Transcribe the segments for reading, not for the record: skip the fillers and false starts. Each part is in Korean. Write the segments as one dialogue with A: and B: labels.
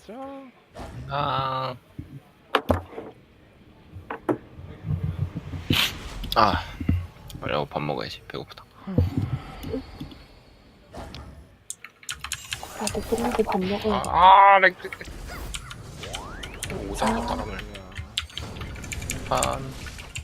A: 가자.
B: 아. 아. 그래고 밥 먹어야지. 배고프다.
C: 나도 끝나고 밥 먹어야 돼.
B: 렉. 오자마 바람을. 한.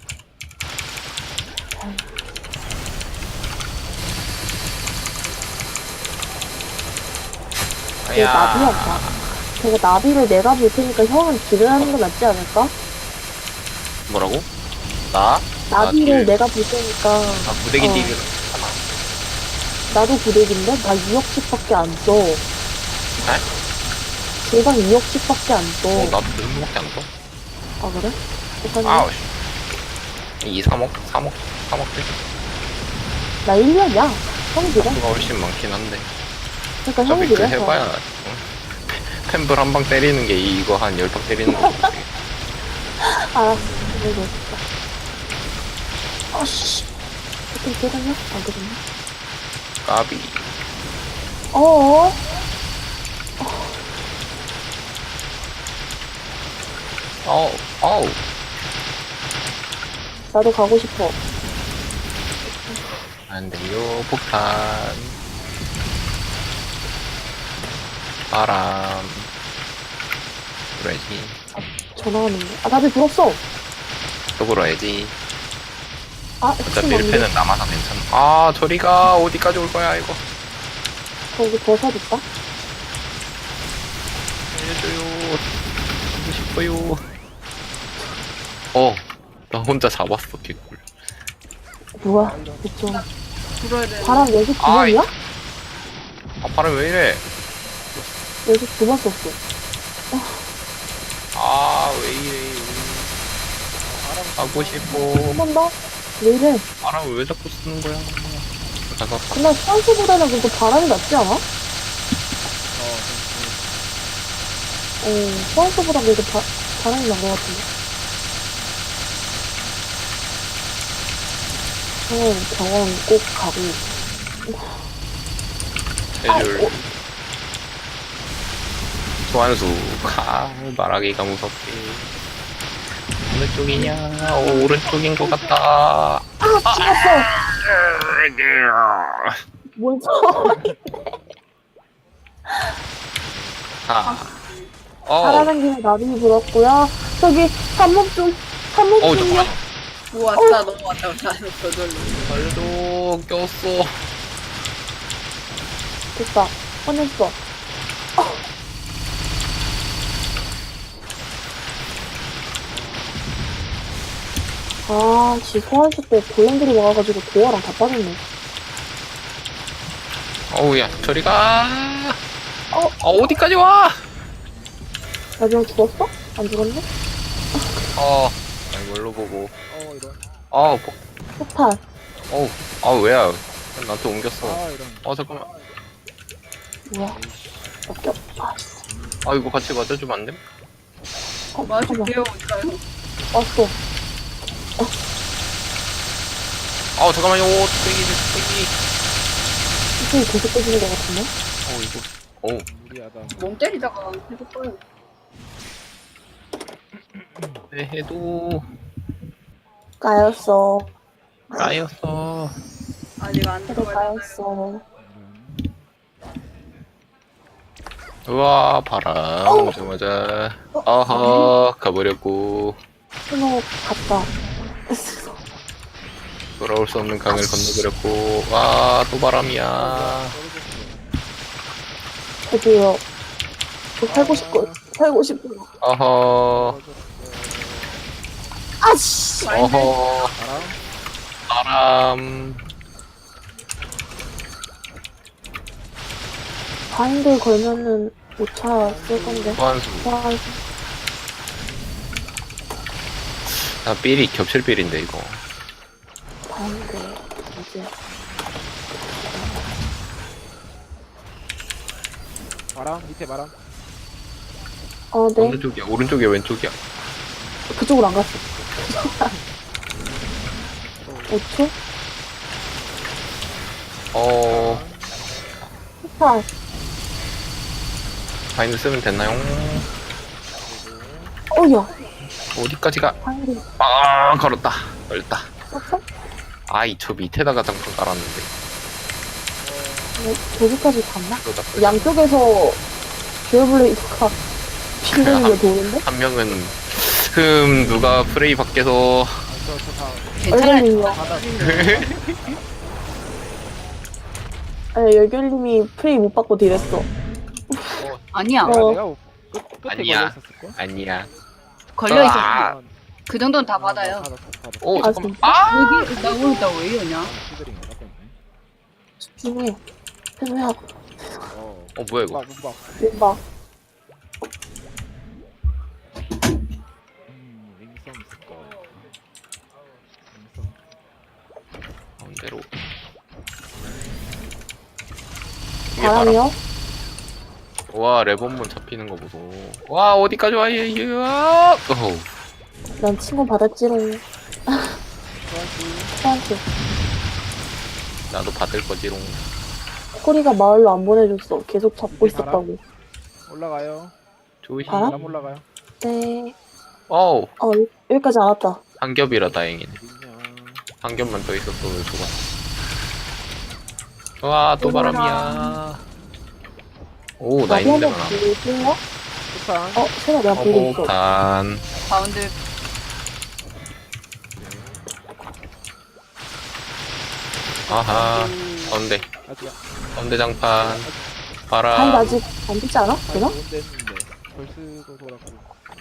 C: 내 나비한다. 저거 나비를 내가 볼 테니까 형은 딜을 하는 게 낫지 않을까?
B: 뭐라고? 나?
C: 나비를
B: 딜.
C: 내가 볼 테니까.
B: 아, 부대기
C: 어.
B: 딜을.
C: 나도 구덱인데? 나 2억씩밖에 안 써. 제방 2억씩밖에 안 써.
B: 나도 그 정도밖에 안 써.
C: 아, 그래? 똑같네.
B: 아우, 씨. 2, 3억? 3억? 3억 딜?
C: 나 1년이야. 형이 딜해.
B: 수가 훨씬 많긴 한데.
C: 그러니까
B: 어차피
C: 형이
B: 그
C: 딜해.
B: 해봐야. 펜블 한 방 때리는 게 이거 한 10방 때리는 거.
C: 알았어. 그래도 진짜. 아씨. 어떻게 되겠냐? 안 되겠냐?
B: 까비.
C: 어어?
B: 어우.
C: 나도 가고 싶어.
B: 안 돼요, 폭탄. 바람. 불어야지.
C: 전화 왔는데. 아, 나비 불었어.
B: 또 불어야지.
C: 아,
B: 어차피
C: 혹시
B: 1패는 남아서 괜찮아. 아, 저리가 어디까지 올 거야, 이거.
C: 거기 버섯 있다?
B: 알려줘요. 하고 싶어요. 나 혼자 잡았어, 개꿀.
C: 뭐야? 그쵸.
D: 불어야 돼.
C: 바람 연속 두
B: 아이.
C: 번이야?
B: 아, 바람 왜 이래?
C: 연속 두 번 썼어.
B: 아, 왜 이래. 하고 싶어.
C: 한 번 더? 왜 이래?
B: 바람을 왜 자꾸 쓰는 거야? 잠깐.
C: 근데 수완수보다는 그래도 바람이 낫지 않아? 수완수보다 그래도 바람이 난 것 같은데. 형은 병원 꼭 가고.
B: 해줄. 소환수. 말하기가 무섭게. 어느 쪽이냐? 오른쪽인 것 같다.
C: 아, 죽었어! 뭔 소리. 살아남기는 나비 불었고요. 저기, 산목 좀, 산목 좀요.
B: 잠깐만.
D: 뭐 왔다 넘어왔다 나는 저절로.
B: 알려줘. 꼈어.
C: 됐다. 꺼냈어. 아, 지 소환수 때 골렘들이 와가지고 도어랑 다 빠졌네.
B: 야, 저리 가. 어디까지 와?
C: 나중에 죽었어? 안 죽었네?
B: 이걸로 보고.
A: 이런.
C: 폭탄.
B: 왜야? 나한테 옮겼어.
A: 이런.
B: 잠깐만.
C: 뭐야? 꺾여.
B: 이거 같이 맞아주면 안 돼?
C: 잠깐만.
D: 맞을게요. 어디가요?
C: 왔어.
B: 잠깐만요. 뚝배기.
C: 이쪽이 계속 깨지는 것 같은데?
B: 이거.
A: 무리하다.
D: 몸 때리다가 계속 떠요.
B: 네, 해도
C: 까였어.
B: 까였어.
D: 아직 안
C: 해도
D: 들어갈
C: 까였어.
B: 우와, 바람 오자마자. 가버렸고.
C: 스노우 갔다.
B: 돌아올 수 없는 강을 건너버렸고. 또 바람이야.
C: 저기요. 살고 싶고, 살고 싶고. 아씨!
A: 바람.
B: 바람.
C: 바인드 걸면은 5차 쓸 건데.
B: 소환수.
C: 소환수.
B: 삘이 겹칠 삘인데, 이거.
C: 바인드, 이제.
A: 바람 밑에 바람.
C: 네.
B: 어느 쪽이야? 오른쪽이야, 왼쪽이야?
C: 그쪽으로 안 갔어. 5초? 폭탄.
B: 바인드 쓰면 됐나요?
C: 어야
B: 어디까지가?
C: 방금
B: 아, 걸었다. 걸렸다.
C: 썼어?
B: 아이, 저 밑에다가 장판 깔았는데.
C: 저기까지 갔나?
B: 그러다
C: 양쪽에서 듀얼블레이드가 핑계를 도는데?
B: 한 명은 누가 프레이 밖에서
A: 저다
D: 괜찮아요.
C: 얼굴님이요.
A: 바다
C: 아니 열결님이 프레이 못 받고 딜했어.
D: 아니야.
C: 어.
A: 내가 끝에
B: 아니야.
A: 걸려 있었을걸?
B: 아니야.
D: 걸려 있었어.
B: 아.
D: 그 정도는 다 받아요.
B: 오,
C: 아,
B: 잠깐만.
C: 진짜?
B: 아!
D: 여기 나왜 이러냐?
C: 집중해. 해줘야
B: 뭐야 이거?
A: 문박
C: 민박.
A: 링성 있을까? 링성
B: 가운데로. 이게 바람.
C: 바람이요?
B: 와, 레본문 잡히는 거 보소. 와, 어디까지 와, 얘, 어우.
C: 난 친구 받았지롱. 수한테.
B: 나도 받을 거지롱.
C: 코리가 마을로 안 보내줬어. 계속 잡고
A: 이게 바람?
C: 있었다고.
A: 올라가요.
B: 조심.
C: 바람?
A: 바람 올라가요.
C: 네.
B: 어우,
C: 여기까지 안 왔다.
B: 한 겹이라 다행이네.
A: 어딨냐.
B: 한 겹만 더 있었어도 좋았어. 와, 또 바람이야. 오, 나
C: 나비
B: 있는데
C: 한번
B: 많아.
C: 보여줄래?
A: 폭탄.
C: 세나 내가 보고 있어.
B: 폭탄.
D: 가운데
B: 아하. 가운데.
A: 아직
B: 가운데 장판.
C: 아니,
B: 바람.
C: 아직 안 되지 않아? 되나?
A: 못 됐는데. 벌스도 돌았고.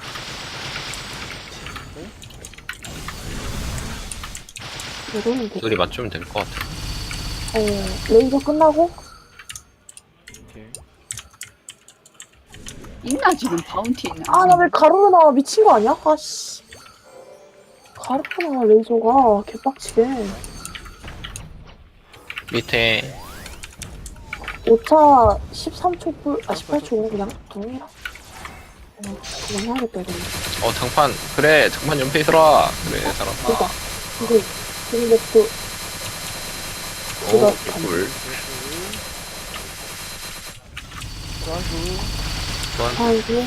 C: 이러면 돼.
B: 둘이 맞추면 될 것 같아.
C: 레이저 끝나고?
A: 오케이.
D: 있나 지금 바운티 있나?
C: 아, 나 왜 가로로 나와? 미친 거 아니야? 아씨. 가로로 나와, 레이저가. 개빡치게.
B: 밑에
C: 5차 13초 불, 18초 그냥 동일하. 그냥 해야겠다, 이거.
B: 장판. 그래, 장판 옆에 있어라. 그래, 살았다.
C: 그니까. 근데 또,
B: 오,
C: 그거
B: 개꿀.
A: 소환수.
B: 또한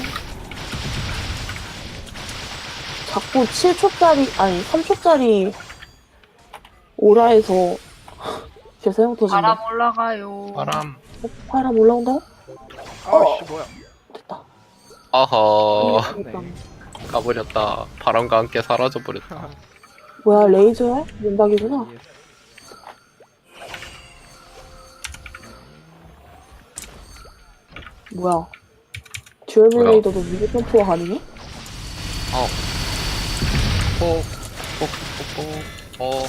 C: 자꾸 7초짜리, 아니, 3초짜리 오라에서 재사용 터진다.
D: 바람 올라가요.
B: 바람.
C: 바람 올라온다고?
A: 아씨 뭐야.
C: 됐다.
B: 아하.
A: 네.
B: 가버렸다. 바람과 함께 사라져버렸다.
C: 뭐야, 레이저야? 민박이구나. 뭐야. 듀얼 블레이더도 미드 점프가 가능해?
B: 뽀, 뽀, 뽀, 뽀.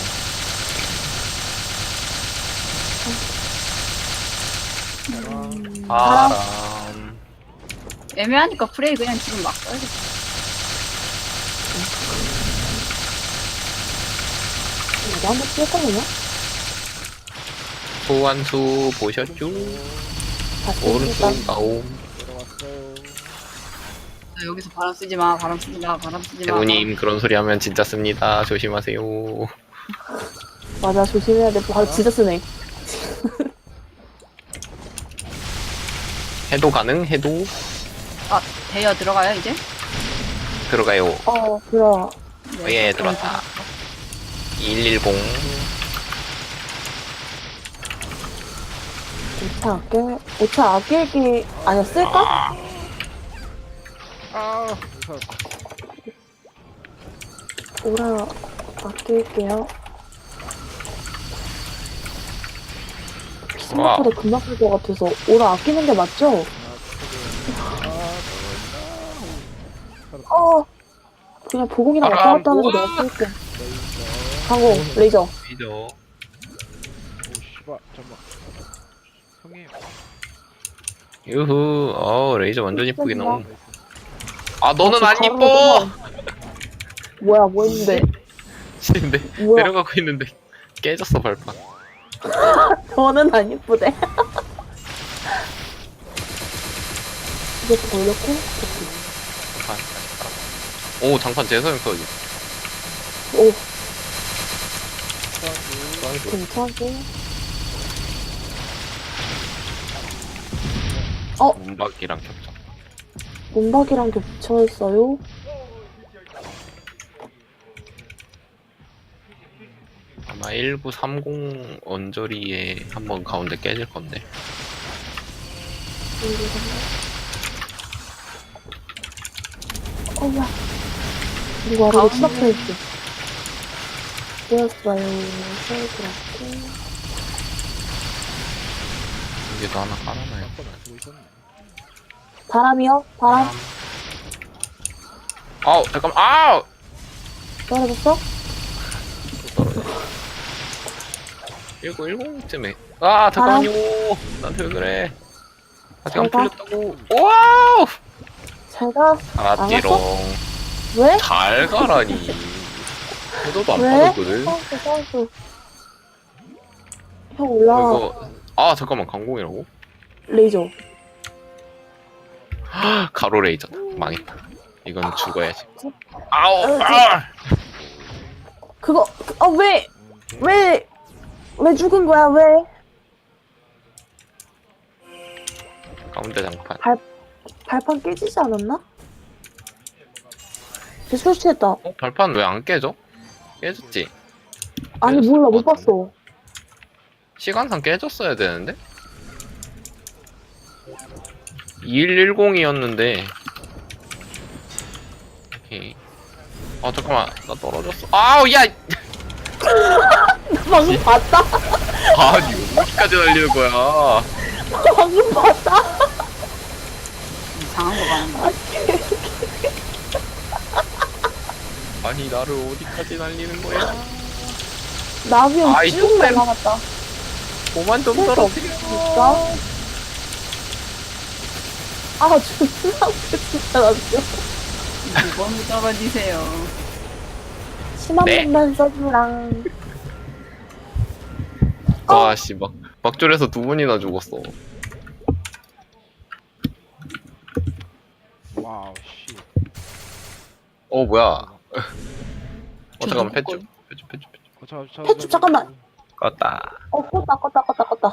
B: 바람.
D: 애매하니까 프레이 그냥 지금 막 써야겠다.
C: 이거 한번 뛸거든요?
B: 소환수 보셨죠?
C: 다시
B: 오른쪽
C: 일단
B: 나옴.
A: 들어왔어요.
D: 나 여기서 바람 쓰지 마. 바람 쓰지 마. 바람 쓰지 마.
B: 대우님 그런 소리 하면 진짜 씁니다. 조심하세요.
C: 맞아, 조심해야 돼. 바로 진짜 쓰네.
B: 해도 가능? 해도
D: 아, 대여 들어가요 이제?
B: 들어가요.
C: 그래.
B: 예, 들어왔다. 110.
C: 5차 아낄게, 아니야, 쓸까?
A: 아 무서웠다.
C: 오라 아낄게요. 생각보다 금방 쓸 것 같아서 오라 아끼는 게 맞죠? 그냥 보공이나 왔다 갔다 하면서 내가 쓸게. 항공, 레이저.
B: 이죠.
A: 오 씨발 잠깐만. 형님.
B: 유후. 레이저 완전 이쁘게 나옴.
A: 나이스.
B: 아, 너는 안
C: 가로로
B: 이뻐!
C: 뭐야, 뭐 했는데?
B: 근데
C: 뭐야?
B: 내려가고 있는데 깨졌어 발판.
C: 저는 안 이쁘대. 이제 돌렸고,
B: 오, 장판 재사용 써야지.
C: 오,
A: 소환수.
C: 괜찮게.
B: 문박이랑 겹쳐.
C: 문박이랑 겹쳐있어요?
B: 아마 1930 언저리에 한번 가운데 깨질 건데.
C: 어야 누가 아래로
D: 가운데.
C: 추락해있지? 되었어요. 세이브라고.
B: 여기도 하나 깔아놔요.
A: 한번 안 쓰고 있었네.
C: 바람이요? 바람?
B: 아우 잠깐만. 아우.
C: 떨어졌어?
B: 1910쯤에. 아 잠깐만요. 나한테 왜 그래? 아직 안
C: 잘 가.
B: 풀렸다고. 와우.
C: 잘가?
B: 알았지롱.
C: 왜?
B: 잘 가라니. 해도도 안
C: 왜?
B: 빠졌거든.
C: 싸웠어. 형 올라와.
B: 이거 아 잠깐만 강공이라고?
C: 레이저.
B: 가로 레이저다. 망했다. 이건 죽어야지. 아우. 아!
C: 그거, 왜 죽은 거야, 왜?
B: 가운데 장판.
C: 발판 깨지지 않았나? 쟤 설치했다.
B: 어? 발판 왜 안 깨져? 깨졌지?
C: 아니,
B: 깨졌을
C: 몰라,
B: 것
C: 못
B: 같은데.
C: 봤어.
B: 시간상 깨졌어야 되는데? 2110이었는데. 오케이. 아 잠깐만 나 떨어졌어. 아우 야!
C: 나 방금 봤다?
B: 아니 어디까지 날리는 거야?
C: 방금 봤다?
D: 이상한 거 가는 거.
B: 아니 나를 어디까지 날리는 거야?
C: 나비형
B: 아이,
C: 쭉
B: 좀
C: 날아갔다.
B: 그만 좀
C: 쓸수
B: 떨어뜨려.
C: 진짜? 아, 존나 웃겼다, 나비형.
D: 2번을 떨어지세요.
C: 심한
B: 네.
C: 분만 써주랑.
B: 아씨 막 막줄에서 두 분이나 죽었어.
A: 와우 씨.
B: 어 뭐야? 어 잠깐만
D: 저도
B: 패쭈.
C: 패쭈, 잠깐만.
B: 껐다.
C: 껐다.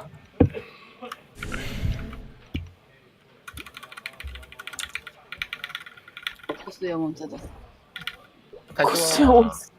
D: 코스 영혼 찾았어.
C: 고수영